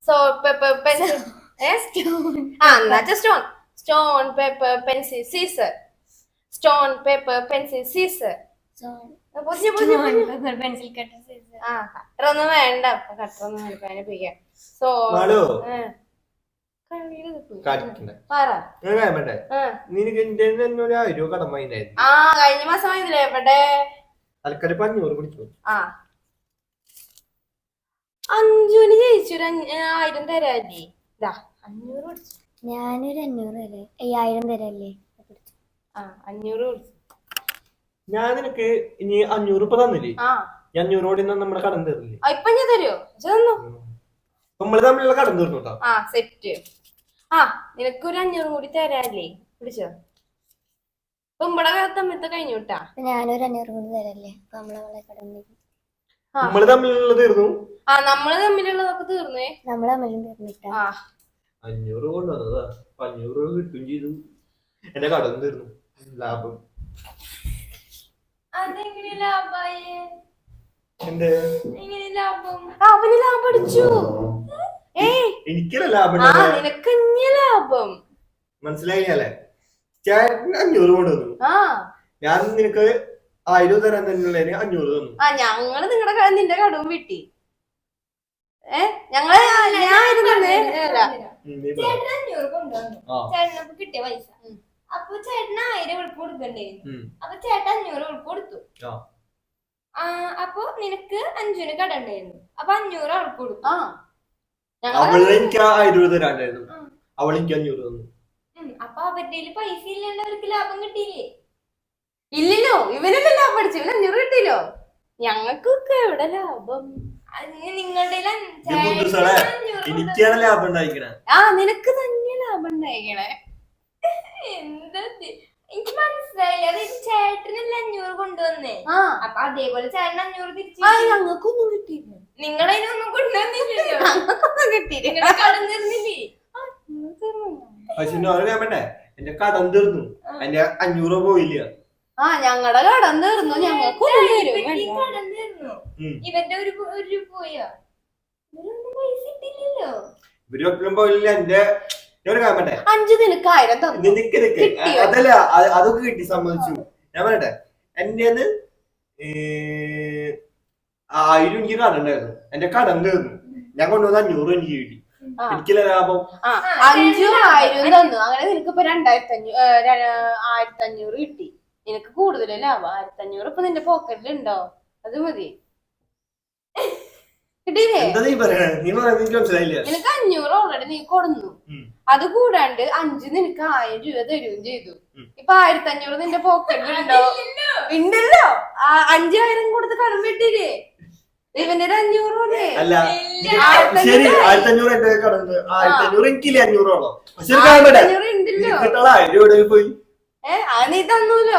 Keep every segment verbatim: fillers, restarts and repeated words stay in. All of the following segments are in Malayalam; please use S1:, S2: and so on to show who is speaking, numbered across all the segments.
S1: Salt, pepper, pencil. Yes? Stone. Ah, not a stone. Stone, pepper, pencil, scissor. Stone, pepper, pencil, scissor.
S2: Stone,
S1: pepper,
S2: pencil, cutter, scissor.
S1: ആ കട്ടറൊന്നും വേണ്ട കട്ടറൊന്നും വേണ്ട അതിനെപ്പിക്കാം സോ ആ കഴിഞ്ഞ മാസം വാങ്ങിയില്ലേ എവിടെ ആ അഞ്ചുന് ജയിച്ചു ഒരു ആയിരം തരാല്ലേ ഇതാ അഞ്ഞൂറ് പിടിച്ചു
S2: ഞാനൊരു അഞ്ഞൂറ് തരാം അയ്യായിരം തരല്ലേ
S1: ആ അഞ്ഞൂറ് പിടിച്ചു
S3: ഞാൻ നിനക്ക് ഇനി അഞ്ഞൂറ് ഇപ്പൊ തന്നില്ലേ അഞ്ഞൂറോട് നമ്മുടെ കടം തീർന്നില്ലേ
S1: ഇപ്പൊ ഞാൻ തരുമോ തന്നു
S3: നമ്മള് തമ്മിലുള്ള കടം തീർന്നു കേട്ടോ
S1: ആ സെറ്റ് ആ നിനക്കൊരു അഞ്ഞൂറ് കൂടി തരാല്ലേ പിടിച്ചോ ഇപ്പൊ ഇവിടെ തമ്മിലത്തെ കഴിഞ്ഞു കേട്ടാ
S2: ഞാനൊരു അഞ്ഞൂറ് കൂടി തരല്ലേ അപ്പൊ നമ്മളെ കടം
S3: നമ്മള് തമ്മിലുള്ള തീർന്നു
S1: ആ നമ്മള് തമ്മിലുള്ളതൊക്കെ തീർന്നേ
S2: നമ്മള് തമ്മിലും തീർന്നിട്ടാ
S3: അഞ്ഞൂറ് കൊണ്ടുവന്നതാ അഞ്ഞൂറ് രൂപ കിട്ടും ചെയ്തു എന്റെ കടം തീർന്നു ലാഭം
S1: അതെങ്ങനെ ലാഭായേ
S3: എന്റെ
S1: ലാഭം അവന് ലാഭം അടിച്ചു
S3: എനിക്കല്ല ലാഭം
S1: നിനക്ക് ലാഭം
S3: മനസ്സിലായില്ലേ ചേട്ടന് അഞ്ഞൂറ് കൊണ്ടുവന്നു ഞാൻ നിനക്ക് ആയിരം തരാൻ തന്നെയുള്ളതിന് അഞ്ഞൂറ് തന്നു ആ
S1: ഞങ്ങള് നിങ്ങളുടെ നിന്റെ കടവും വിട്ടി ഏ ഞങ്ങള്
S2: ചേട്ടന് അഞ്ഞൂറ് കൊണ്ടുവന്നു ചേട്ടനപ്പൊ കിട്ടിയ പൈസ അപ്പൊ ചേട്ടന് ആയിരം ഉൾപ്പ് കൊടുക്കണ്ടേ അപ്പൊ ചേട്ടൻ അഞ്ഞൂറ് ഉൾപ്പ് കൊടുത്തു അപ്പൊ നിനക്ക് അഞ്ചുന് കട ഉണ്ടായിരുന്നു അപ്പൊ അഞ്ഞൂറ് അവൾക്ക് കൊടുത്തു
S3: അവള് എനിക്ക് ആയിരം രൂപ തരാണ്ടായിരുന്നു അവൾ എനിക്ക് അഞ്ഞൂറ് തന്നു
S2: അപ്പൊ അവരുടെ പൈസ ഇല്ലാണ്ട് അവർക്ക് ലാഭം കിട്ടിയില്ലേ
S1: ഇല്ലല്ലോ ഇവനല്ലേ ലാഭം അടിച്ചു ഇവന് അഞ്ഞൂറ് കിട്ടിയില്ലോ ഞങ്ങൾക്കൊക്കെ എവിടെ ലാഭം
S2: നിങ്ങളുടെ
S3: എനിക്കാണ് ലാഭം ഉണ്ടായിക്കണേ
S1: ആ നിനക്ക് തന്നെ ലാഭം ഉണ്ടായിക്കണേ
S2: എന്താ എനിക്ക് മനസ്സിലായില്ല അത് ചേട്ടനല്ലേ അഞ്ഞൂറ് കൊണ്ടുവന്നേ അപ്പൊ അതേപോലെ ചേട്ടൻ അഞ്ഞൂറ് തിരിച്ചു
S1: ഞങ്ങൾക്കൊന്നും കിട്ടിയില്ല
S2: നിങ്ങളതിനൊന്നും കൊണ്ടുവന്നില്ലല്ലോ
S1: കിട്ടിയില്ല
S2: കടം തീർന്നില്ലേ
S3: പക്ഷെ വേണ്ടേ എന്റെ കടം തീർന്നു എന്റെ അഞ്ഞൂറ് പോയില്ല
S1: ആ ഞങ്ങളുടെ കടം തീർന്നു ഞങ്ങൾക്കൊന്നും
S2: കടം തീർന്നു ഇവന്റെ ഒരു ഒരു രൂപ പോയാ ഇവരൊന്നും പൈസ ഇട്ടില്ലല്ലോ
S3: ഇവരൊട്ടും പോയില്ല എന്റെ
S1: അഞ്ചു നിനക്ക് ആയിരം
S3: അതല്ല അതൊക്കെ കിട്ടി സമ്മതിച്ചു ഞാൻ പറയട്ടെ എന്റെ ആയിരം എനിക്ക് കടം ഉണ്ടായിരുന്നു എന്റെ കടം തീർന്നു ഞാൻ കൊണ്ടുവന്ന അഞ്ഞൂറ് എനിക്ക് കിട്ടി എനിക്കില്ല ലാഭം
S1: അഞ്ചു ആയിരം തന്നു അങ്ങനെ നിനക്കിപ്പോ രണ്ടായിരത്തി അഞ്ഞൂറ് ആയിരത്തി അഞ്ഞൂറ് കിട്ടി നിനക്ക് കൂടുതൽ ലാഭം ആയിരത്തി അഞ്ഞൂറ് ഇപ്പൊ നിന്റെ പോക്കറ്റിൽ ഉണ്ടോ അത് മതി നിനക്ക് അഞ്ഞൂറ് ഓൾറെഡി നീ കൊടുന്നു അത് കൂടാണ്ട് അഞ്ചു നിനക്ക് ആയിരം രൂപ തരുകയും ചെയ്തു ഇപ്പൊ ആയിരത്തി അഞ്ഞൂറ് നിന്റെ പോക്കറ്റിൽ ഉണ്ടോ ഉണ്ടല്ലോ അഞ്ചായിരം കൊടുത്ത് കടം വെട്ടിയില്ലേ ഇവന്റെ ഒരു അഞ്ഞൂറ്
S3: ശരി ആയിരത്തി അഞ്ഞൂറ് എന്റെ കടന്ന് ആയിരത്തി അഞ്ഞൂറ് എനിക്കില്ലേ അഞ്ഞൂറോളോ
S1: ഉണ്ടല്ലോ
S3: പോയി
S1: ഏഹ് അത് നീ തന്നൂലോ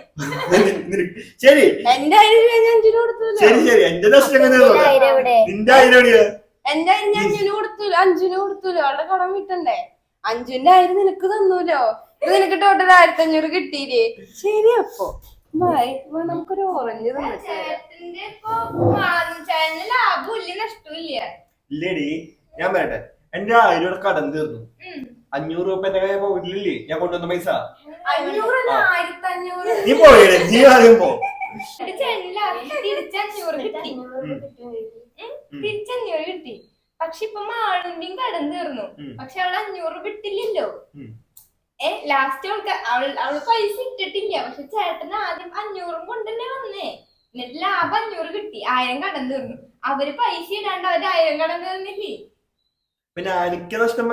S3: ശരി
S1: എന്റെ ആയിരം രൂപ ഞാൻ അഞ്ചിന് കൊടുത്തൂലോ
S3: ശരി ശരി എന്റെ നഷ്ടം നിന്റെ ആയിരം
S1: എന്റെ ഞാൻ അഞ്ചിന് കൊടുത്തൂലോ അഞ്ചിന് കൊടുത്തൂലോ അവളുടെ കടം വിട്ടണ്ടേ അഞ്ചിന്റെ ആയിരം നിനക്ക് തന്നൂലോ ഇത് നിനക്ക് ടോട്ടൽ ആയിരത്തി അഞ്ഞൂറ് കിട്ടിയില്ലേ ശരി അപ്പൊ ബായ് നമുക്കൊരു ഓറഞ്ച്
S2: ലാഭമില്ല നഷ്ടമില്ല
S3: ഇല്ലേടി ഞാൻ പറയട്ടെ എന്റെ ആയിരം രൂപ കടം തീർന്നു അഞ്ഞൂറ് രൂപ എന്റെ കയ്യിൽ പോയിട്ടില്ലേ ഞാൻ കൊണ്ടുവന്ന പൈസ നീ പോയേ നീ ആദ്യം പോ
S2: തിരിച്ചഞ്ഞൂറ് കിട്ടി തിരിച്ചഞ്ഞൂറ് കിട്ടി പക്ഷെ ഇപ്പൊ മാളുന്റെയും കടം തീർന്നു പക്ഷെ അവള് അഞ്ഞൂറ് വിട്ടില്ലല്ലോ ഏ ലാസ്റ്റ് അവൾക്ക് അവൾ അവള് പൈസ ഇട്ടിട്ടില്ല പക്ഷെ ചേട്ടന് ആദ്യം അഞ്ഞൂറും കൊണ്ടല്ലേ വന്നേ എന്നിട്ട് ലാഭം അഞ്ഞൂറ് കിട്ടി ആയിരം കടം തീർന്നു അവര് പൈസ ഇടാണ്ട് അവര് ആയിരം കടം തീർന്നില്ലേ
S3: പിന്നെ എനിക്ക് നഷ്ടം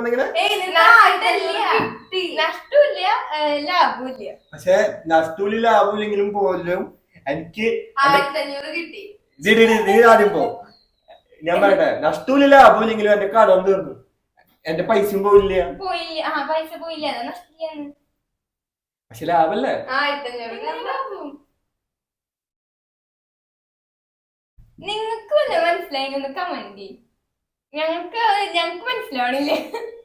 S2: നഷ്ടമില്ല ലാഭമില്ല
S3: പക്ഷെ നഷ്ടമില്ല ലാഭമില്ലെങ്കിലും പോലും എനിക്ക്
S1: ആയിരത്തി അഞ്ഞൂറ് കിട്ടി
S3: നീ ആദ്യം പോ ഞാൻ പറയട്ടെ നഷ്ടമില്ല ലാഭമില്ലെങ്കിലും എന്റെ കടം തീർന്നു എന്റെ പൈസയും പോയില്ല
S2: പോയില്ല ആ പൈസ പോയില്ല നഷ്ടമില്ലാന്ന്
S3: പക്ഷെ ലാഭല്ലേ
S1: ആയിരത്തി അഞ്ഞൂറ്
S2: നിങ്ങൾക്ക് വല്ല മനസ്സിലായി ഒന്ന് കമന്റ് ഞങ്ങൾക്ക് ഞങ്ങക്ക് മനസ്സിലാവണില്ലേ